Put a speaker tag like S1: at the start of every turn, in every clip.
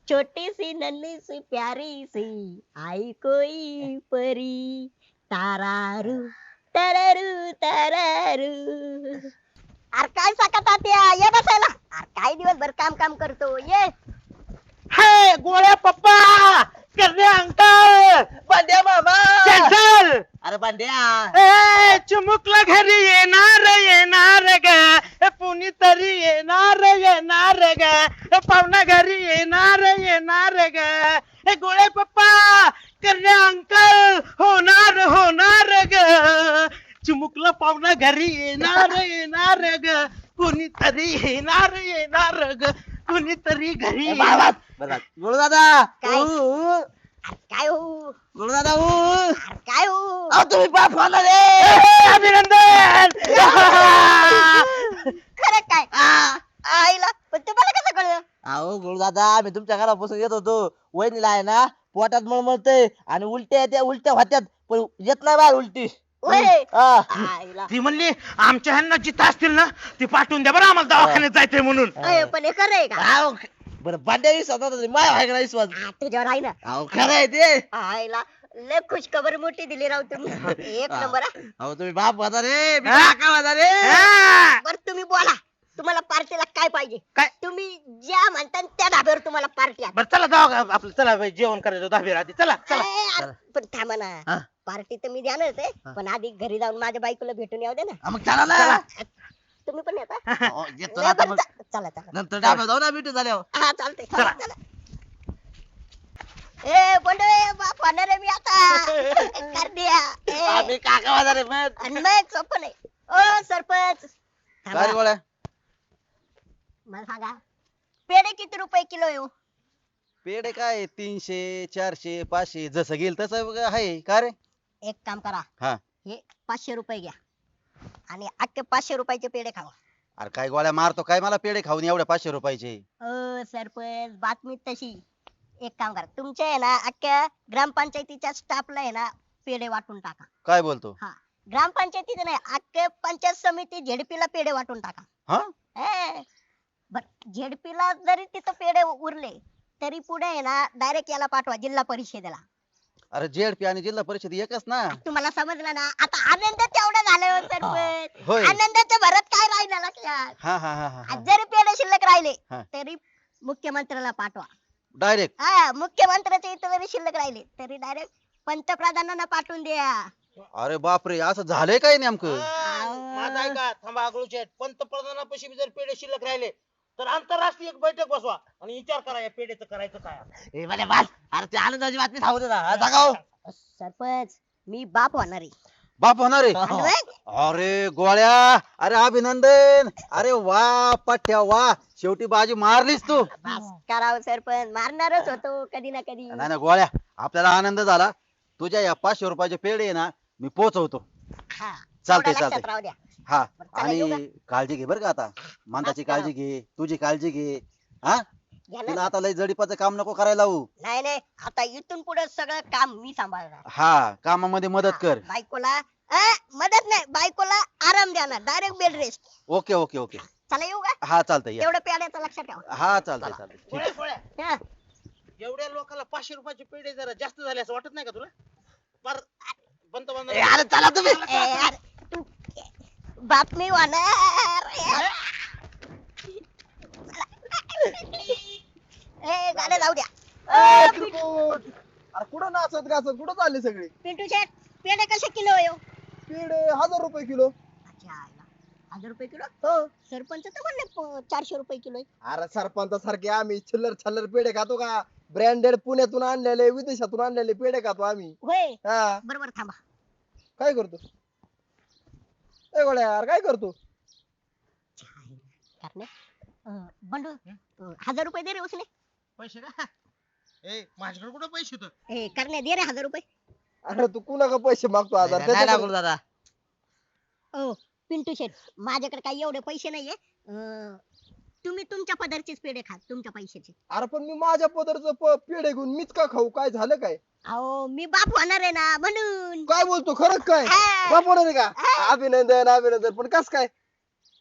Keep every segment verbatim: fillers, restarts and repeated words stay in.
S1: छोटी सी नन्ही सी प्यारी सी आई कोई परी तारारू तररू तररू. अरे काय साका तात्या ये बसायला. अरे काय दिवसभर काम काम करतो ये.
S2: हे गोळ्या पप्पा करणे अंकल
S3: बांड्या मामा
S2: चल
S3: अरे बांड्या
S2: ए चिमुकला घरी येणार येणार ग पुणी तरी येणार येणार ग पाहुणा घरी येणार येणार ग हे गोळे पप्पा करणे अंकल होणार होणार ग चिमुकला पाहुणा घरी येणार येणार ग कुणी तरी येणार येणार ग कुणी तरी घरी
S3: गुरु दादा
S1: काय? अरे काय हो
S3: गुरु दादा
S1: अरे काय हो
S3: अहो तुम्ही बाप होणार रे
S2: अभिनंदन
S1: खरं काय आईला पण तुम्हाला कसं कळलं.
S3: अहो गुरु दादा मी तुमच्या घरापासून येत होतो वहिनीला आहे ना पोटात मळमळतंय आणि उलट्या येत्या उलट्या होत्यात पण येत नाही बाहेर उलटी
S1: होय.
S3: हा.
S1: आईला
S2: ती म्हणली आमच्या ह्यांना जिथं असतील ना ती पाठवून द्या बरं आम्हाला दवाखान्यात जायचंय म्हणून
S1: अय, पण हे खरं आहे का.
S3: अहो, बरं बांड्या विश्वास होता माय आहे का विश्वास
S1: हा, तुझ्यावर आहे ना.
S3: अहो खरं आहे ते
S1: आईला लय खुश खबर मोठी दिली राव तुम्ही एक नंबर हा.
S3: अहो तुम्ही बाप होता रे मी
S2: हा?
S3: काका होता रे
S2: हा.
S1: बर तुम्ही बोला तुम्हाला पार्टीला काय पाहिजे.
S2: काय?
S1: तुम्ही ज्या म्हणता त्या धाब्यावर तुम्हाला पार्टी आहे.
S2: बरं चला जाऊ आपलं चला बाई, जेवण करायचं दहावी आधी चला चला
S1: अय, अरे, पण थांबा
S3: हा?
S1: ना पार्टी तर मी देणारच आहे
S3: हा.
S1: पण आधी घरी जाऊन माझ्या बायकोला भेटून येऊ दे ना.
S3: हा, मग चला ना
S1: तुम्ही पण येता.
S3: अहो, येतो ना
S1: नाही,
S3: आता
S1: बरं,
S3: मग.
S1: चा- चला चला
S3: नंतर डाबा जाऊ ना भेटू झाल्यावर
S1: हा चालतंय
S2: चला.
S1: चला चला. ए बंडे बाप होणार आहे मी आता कर द्या. ए,
S3: आम्ही काका होता रे मग
S1: आणि मग सोपं नाही. ओ सरपंच थांबा.
S3: काय रे गोळ्या
S1: मला सांगा पेढे किती रुपये किलो आहे हो?
S3: पेढे काय तीनशे चारशे पाचशे जसं घेईल तसं आहे का रे
S1: एक काम करा
S3: हा
S1: हे पाचशे रुपये घ्या आणि अख्खे पाचशे रुपयाचे पेढे खावा.
S3: अरे काय गोळ्या मारतो काय मला पेढे खाऊन एवढ्या पाचशे रुपयाचे
S1: अ सरपंच बातमी तशी एक काम करा तुमच्या आहे ना अख्ख्या ग्रामपंचायतीच्या स्टाफला आहे ना पेढे वाटून टाका.
S3: काय बोलतो
S1: हा ग्रामपंचायतीचं नाही अख्खे पंचायत समिती झेडपीला पेढे वाटून टाका.
S3: हा
S1: ए, बर झेडपीला जरी तिथं पेढे उरले तरी पुढे आहे ना डायरेक्ट याला पाठवा जिल्हा परिषदेला.
S3: अरे जेडपी आणि जिल्हा परिषद एकच ना
S1: तुम्हाला समजलं ना आता आनंद तेवढं झालं हो सरपंच.
S3: होय.
S1: आनंदाच्या भरात काय राहिलं लक्षात.
S3: हा हा हा हा
S1: आज जरी पेढे शिल्लक राहिले
S3: हा.
S1: तरी मुख्यमंत्र्याला पाठवा.
S3: डायरेक्ट
S1: हा मुख्यमंत्र्याच्या इथं जरी शिल्लक राहिले तरी डायरेक्ट पंतप्रधानांना पाठवून द्या.
S3: अरे बापरे असं झालंय काय नेमकं
S2: माझा ऐका थांबा आगळूचे पंतप्रधानापाशी जर पेढे शिल्लक राहिले तर आंतरराष्ट्रीय एक बैठक बसवा आणि विचार करा या पेढेचं करायचं काय आता.
S3: ए, बरे बस. अरे ते आनंदाची बातमी सांगू दे ना हा, सांगा हो.
S1: सरपंच मी बाप होणार आहे.
S3: बाप होणार आहे
S1: आणि मग?
S3: अरे गोळ्या अरे अभिनंदन अरे वा पठ्या वा शेवटी बाजी मारलीस तू
S1: बस करावं सरपंच मारणारच होतो कधी ना कधी.
S3: नाही ना गोळ्या आपल्याला आनंद झाला तुझ्या या पाचशे रुपयाचे पेढे आहे ना मी पोहोचवतो
S1: हा
S3: चालतंय,
S1: तेवढं लक्षात
S3: चालतंय.
S1: राहू द्या.
S3: हा
S1: बरं, चला, येऊ
S3: आणि काळजी घे बरं का आता मानताची
S1: हा,
S3: काळजी घे तुझी काळजी घे हा
S1: घ्या ना.
S3: तिला आता लय जडीपाचं काम नको करायला लावू
S1: नाही नाही आता इथून पुढे सगळं काम मी सांभाळणार.
S3: हा कामामध्ये मदत कर
S1: हा, बायकोला अ, मदत नाही बायकोला आराम द्या ना direct bed rest.
S3: Okay okay okay
S1: चला येऊ का
S3: हा चालतंय या.
S1: तेवढं पेड्याचं लक्षात ठेवा.
S3: हा चालतंय चालतंय ठीक.
S2: गोळ्या, गोळ्या.
S1: हा.
S2: एवढ्या लोकांना पाचशे रुपयाचे पेढे जरा जास्त झाले असं वाटत नाही का तुला पर
S3: ए,
S2: पंतप्रधान
S3: अरे चला तुम्ही
S1: ए, यार, तू बातमी होणार ए गाणं जाऊ द्या. अ, पिंटू
S4: अरे कुठं नाचत गाचत कुठं चालले सगळे
S1: पिंटू शेट पेढे कसे किलो आहे हो?
S4: पेढे हजार रुपये किलो
S1: अच्छा आला. हजार रुपये किलो
S4: हो.
S1: सरपंच तर म्हणले प- चारशे रुपये किलो आहे.
S4: अरे सरपंचासारखे आम्ही चिल्लर छल्लर पेढे खातो का ब्रँडेड पुण्यातून आणलेले विदेशातून आणलेले पेढे खातो आम्ही
S1: होय
S4: हा
S1: बरोबर थांबा.
S4: काय करतो ए गोळ्या यार काय करतो
S1: करणे अ, बंडू अ, हजार रुपये दे रे उसने.
S2: पैसे का ए माझ्याकडे कुठं पैसे होतं
S1: ए करणे दे रे हजार रुपये.
S4: अरे तू कुणा का पैसे मागतो हजार
S3: नाही ना
S4: त्याच्याकडे-
S3: गुरु दादा
S1: ओ पिंटू शेट माझ्याकडे काही एवढे पैसे नाहीये अ, तुम्ही तुमच्या पदरचेच पेढे खा तुमच्या पैशाचे.
S4: अरे पण मी माझ्या पदरचं प- पेढे घेऊन मीच का खाऊ काय झालं काय
S1: अहो मी बाप होणार आहे ना म्हणून.
S4: काय बोलतो खरंच काय
S1: हा.
S4: बाप होणार आहे का
S1: हा.
S4: अभिनंदन अभिनंदन पण कस काय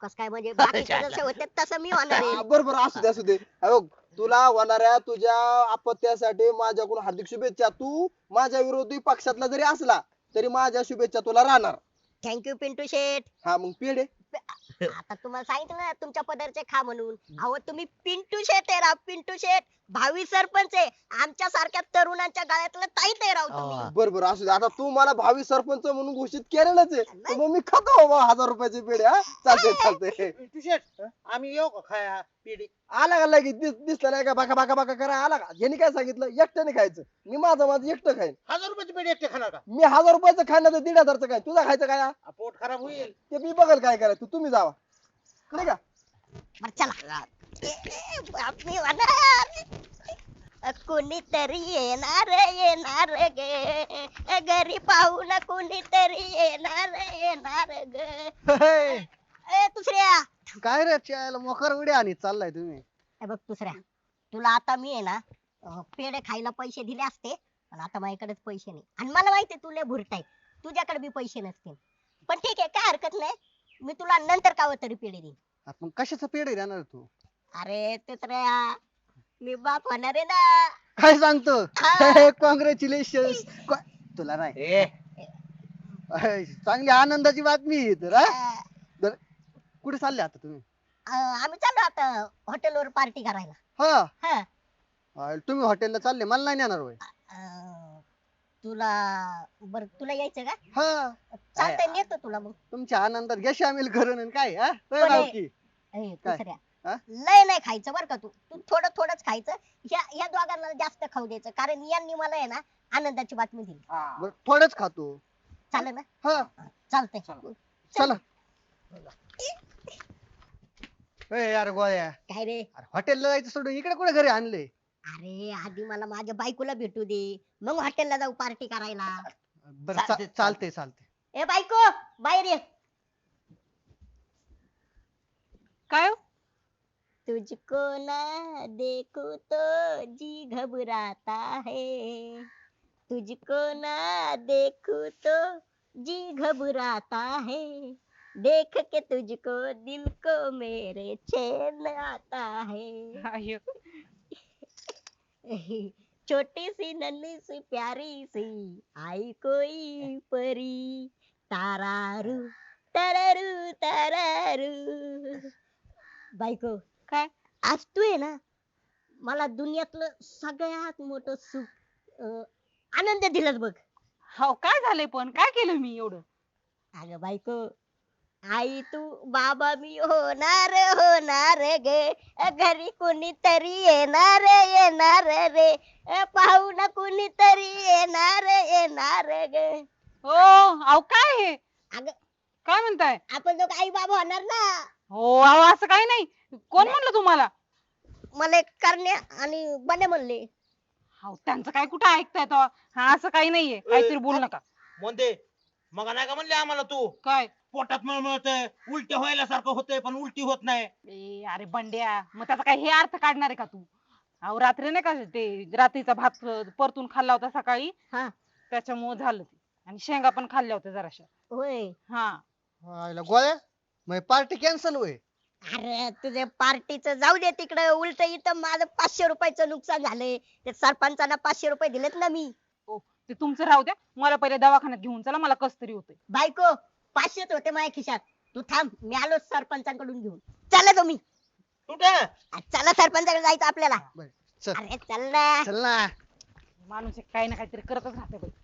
S1: कस काय म्हणजे बाकीचे जसे होते तसं मी होणार आहे.
S4: हा, बरं बरं असू दे असू दे हे बघ, तुला होणाऱ्या तुझ्या अपत्यासाठी माझ्याकडून हार्दिक शुभेच्छा. तू माझ्या विरोधी पक्षातला जरी असला तरी माझ्या शुभेच्छा तुला राहणार.
S1: थँक्यू पिंटू शेठ.
S4: हा मग पेढे.
S1: आता तुम्हाला सांगितलं ना तुमच्या पदरचे खा म्हणून. अहो तुम्ही पिंटू शेठ आहे राव, पिंटू शेठ भावी सरपंच आहे. आमच्या सारख्या तरुणांच्या गळ्यातलं ताईत आहे राव तुम्ही.
S4: बर बर असू दे. आता तू मला भावी सरपंच म्हणून घोषित केलेलंच आहे, तर मग मी खातो बाबा हजार रुपयाचे पेढे. हा चालते चालते.
S2: शेठ आम्ही येऊ का खाया पिढी?
S4: आला का लगेच दिस दिसला नाही का बाका बाका बाका करा आला का? यांनी काय सांगितलं एकट्याने खायचं. मी माझं माझं एकटं खाईन.
S2: हजार रुपयाची पेढी एकटे खाणार का?
S4: मी हजार रुपयाचं खाण्याचं दीड हजारचं काय तुझा खायचं काय हा?
S2: आ, पोट खराब होईल.
S4: ते मी बघल काय करायचं. तुम्ही जावा नाही का.
S1: बरं चला. ए, ए, बातमी होणार. कोणीतरी येणार येणार गे घरी पाहून कोणीतरी येणार येणार ग. ए दुसऱ्या
S5: काय रे चायला मोकर उडी आणि चाललाय तुम्ही.
S1: हे बघ दुसऱ्या, तुला आता मी आहे ना अं, पेढे खायला पैसे दिले असते, पण आता माझ्याकडेच पैसे नाही. आणि मला माहितीये तू लय भुरटा आहे, तुझ्याकडे बी पैसे नसतील. पण ठीक आहे, काय हरकत नाही. मी तुला नंतर काव तरी पेढे देईन.
S5: आपण कशाचं पेढे देणार तू?
S1: अरे दुसऱ्या, मी बाप होणार आहे ना.
S5: काय सांगतो?
S1: हा.
S5: कॉंग्रॅच्युलेशन. तुला नाही
S2: ए
S5: अय, चांगली आनंदाची बातमी आहे तर हा?
S1: अं,
S5: बरं, कुठे चालले आता तुम्ही?
S1: अं, आम्ही चाललो आता हॉटेलवर पार्टी करायला.
S5: हा
S1: हा
S5: अय, तुम्ही हॉटेलला चालले, मला नाही नेणार होय?
S1: अं, तुला बर तुला यायचं का?
S5: हा
S1: चालतंय, नेतो तुला मग.
S5: तुमच्या आनंदात घ्या सामील करून आणि काय हा होय
S1: पण हे-
S5: भावकी?
S1: ए,
S5: काय?
S1: दुसऱ्या
S5: हा?
S1: लय नाही खायचं बरं का. तू तू थोडं थोडंच खायचं. ह्या ह्या दोघांना जास्त खाऊ द्यायचं, कारण यांनी मला आहे ना आनंदाची बातमी दिली.
S5: बरं, थोडंच खातो.
S1: चालेल ना?
S5: हा
S1: चालतंय.
S5: चला. ए यार गोळ्या,
S1: काय रे?
S5: अरे हॉटेलला जायचं सोडून इकडे कुठे घरी आणले?
S1: अरे आधी मला माझ्या बायकोला भेटू दे, मग हॉटेलला जाऊ पार्टी करायला.
S5: बरं चा- चालते चालते.
S1: ए बायको, बाहेर ये.
S6: काय हो?
S1: तुझको ना देखो तो जी घबराता है, तुझको ना देखो तो जी घबराता है, देख के तुझको दिल को मेरे चैन आता है.
S6: अय्यो.
S1: छोटी सी नन्ही सी प्यारी सी आई कोई परी, तारारू तरारू तरारू. बायको,
S6: काय?
S1: आज तू आहे ना मला दुनियातलं सगळ्यात मोठं सुख अं, आनंद दिलास बघ.
S6: हो, काय झालंय पण? काय केलं मी एवढं?
S1: अगं बायको, आई तू बाबा मी होणार होणार गे, घरी कोणीतरी येणार येणार रे, पाहुणा कोणीतरी येणार येणार गे.
S6: हो, अहो काय हे?
S1: अगं
S6: काय म्हणताय?
S1: आपण दोघं आई बाबा होणार ना.
S6: हो, अहो असं काही नाही. कोण म्हणलं तुम्हाला?
S1: मला एक करण्या आणि बने म्हणले.
S6: हो, त्यांचं काय कुठं ऐकताय तेव्हा? हा, असं काही नाहीये, काहीतरी बोलू नका.
S2: म्हणते मग नाही का म्हणले आम्हाला तू
S6: काय?
S2: पोटात मळमळतंय, उलट्या व्हायला सारखं होतंय पण उलटी होत नाही.
S6: ए, अरे बंड्या, मग त्याचा काय हे अर्थ काढणार आहे का तू? अहो रात्री नाही का ते रात्रीचा भात परतून खाल्ला होता सकाळी,
S1: हा
S6: त्याच्यामुळे झालं ते. आणि शेंगा पण खाल्ल्या होत्या जराशा.
S1: होय.
S6: हा.
S5: आयला गोळ्या, मग पार्टी कॅन्सल होय?
S1: अरे तुझे पार्टीचं जाऊ दे तिकडे, उलट इथं माझं पाचशे रुपयाचं नुकसान झालंय. ते सरपंचांना पाचशे रुपये दिलेत ना मी.
S6: ओ, ते तुमचं राहू द्या, मला पहिले दवाखान्यात घेऊन चला, मला कस तरी होतंय.
S1: बायको, पाचशेच होते माझ्या खिशात. तू थांब, मी आलो सरपंचांकडून घेऊन. चला तुम्ही.
S2: कुठं?
S1: आ, चला सरपंचाकडे जायचं आपल्याला.
S5: बरं, चल
S1: अरे चल ना.
S5: चल ना.
S6: माणूस एक काही ना काहीतरी करतच राहते बाई.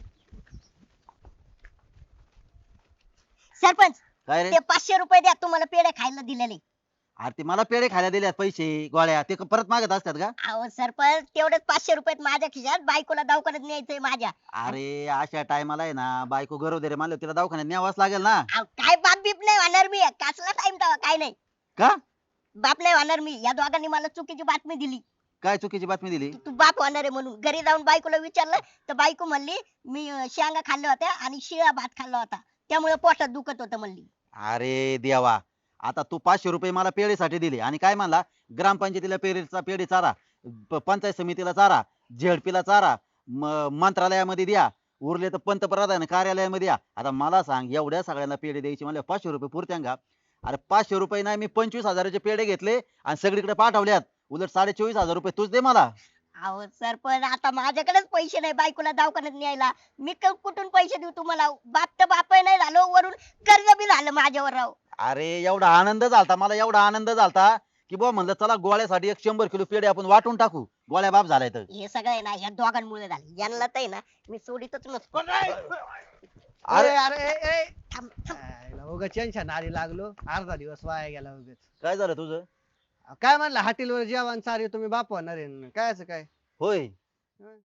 S1: सरपंच,
S3: काय रे?
S1: ते पाचशे रुपये द्या, तुम्हाला पेढे खायला दिलेले.
S3: अरे ते मला पेढे खायला दिल्यात पैसे गोळ्या, ते क- परत मागत असतात का?
S1: अहो सरपंच, तेवढेच पाचशे रुपये माझ्या खिशात, बायकोला दवाखान्यात न्यायचंय माझ्या.
S3: अरे अशा टायमाला आहे ना, बायको गरोदर आहे म्हणलं तिला दवाखान्यात न्यावाच लागेल ना.
S1: अहो, काय बाप बीप नाही होणार मी, कसला टाइम तेव्हा काय नाही.
S3: का?
S1: बाप नाही होणार मी. या दोघांनी मला चुकीची बातमी दिली
S3: काय चुकीची बातमी दिली?
S1: की तू बाप होणार आहे म्हणून. घरी जाऊन बायकोला विचारलं तर बायको म्हणली मी अं, शेंगा खाल्ल्या होत्या आणि शिळा भात खाल्ला होता, त्यामुळे पोटात दुखत होतं म्हणली.
S3: अरे देवा, आता तू पाचशे रुपये मला पेढेसाठी दिले आणि काय म्हणला, ग्रामपंचायतीला पेढेचा पेढे चारा, प- पंचायत समितीला चारा, झेडपीला चारा, म- मंत्रालयामध्ये द्या, उरले तर पंतप्रधान कार्यालयामध्ये द्या. आता मला सांग, एवढ्या सगळ्यांना पेढे द्यायचे म्हणले पाचशे रुपये पुरत्या का? अरे पाचशे रुपये नाही मी पंचवीस हजाराचे पेढे घेतले आणि सगळीकडे पाठवल्यात. उलट साडे चोवीस हजार रुपये तूच दे मला.
S1: अहो सरपंच आता माझ्याकडेच पैसे नाही बायकोला दवाखान्यात न्यायला. मी क- कुठून पैसे देऊ तुम्हाला? बाप तर बाप नाही झालो, वरून कर्ज बी झालं माझ्यावर राव.
S3: अरे एवढा आनंद झालता मला, एवढा आनंद झालता की बुवा म्हणलं चला गोळ्यासाठी एक शंभर किलो पेढे आपण वाटून टाकू. गोळ्या बाप झालाय तर.
S1: हे सगळं आहे ना या दोघांमुळे झालं. यांना तर आहे ना मी सोडीतच नसतो.
S2: कोण रे?
S5: अरे अरे ए, ए.
S1: थांब, थांब.
S5: आयला उगाच टेन्शन आली लागलो, अर्धा दिवस वाया गेला उगाच.
S3: काय झालं तुझं?
S5: काय म्हणलं हॉटेलवर जेवण सारे तुम्ही बाप होणार आहे न. काय असं काय
S3: होय